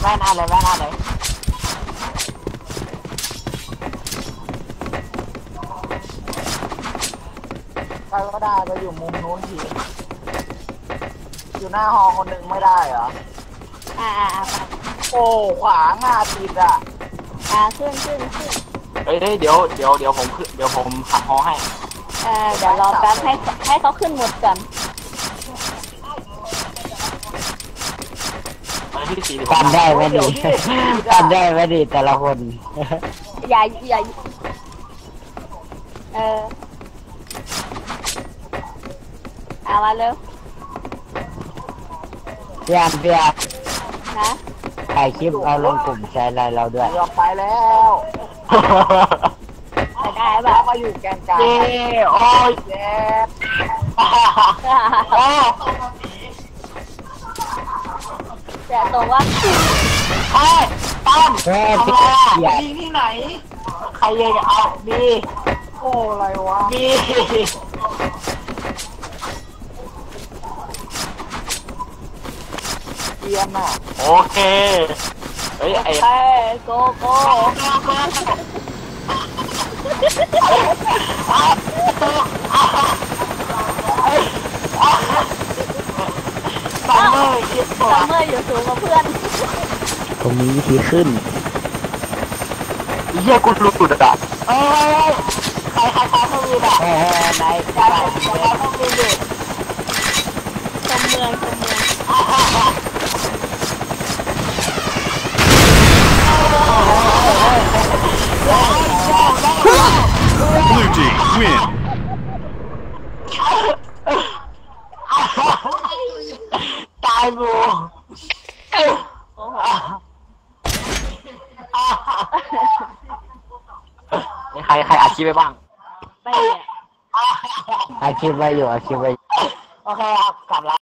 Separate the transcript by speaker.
Speaker 1: ว่นอะไรแว่นอะไรใครก็ได้ไปอยู่มุมนู้นทีอยู่หน้าห้องคนหนึ่งไม่ได้เหรอโอ้ขวางติด
Speaker 2: ขึ้น
Speaker 3: เฮ้ยเดี๋ยวผมขึ้นเดี๋ยวผมขับฮอให้
Speaker 2: เดี๋ยวรอแป๊บให้เขาขึ้นหมดก่อน
Speaker 1: กันได้ไหมดีกันได้ไหมดีแต่ละคน
Speaker 2: อย่ามาเร็ว
Speaker 1: เพียง
Speaker 2: นะ
Speaker 1: ถ่ายคลิปเอาลงกลุ่มแชร์ไลน์เราด้วยไปแล้ว
Speaker 2: ได้ป่ะ
Speaker 1: มาอยู่แกนกลางโอ้ยเจ็บ
Speaker 2: แต่ตรงว่า
Speaker 1: ตั้มมีที่ไหนใครยังเอามีโอ้อะไรวะมีเกียม
Speaker 3: โอเคเฮ้ย
Speaker 2: โก
Speaker 1: ซัมเมอร์
Speaker 2: อยู่สูงกว่าเพื่อน
Speaker 1: ผมมีวิธีขึ้น
Speaker 3: เยี่ยกูหลุด
Speaker 1: ใครเขามีไหนใครเขามีอยู่
Speaker 2: ชมเมือง
Speaker 4: Blue team win.
Speaker 1: ตายบู
Speaker 3: ใครอัดคลิปไปบ้าง
Speaker 2: ไป
Speaker 1: อาชีพไว้อยู่โอเคครับกลับแล้ว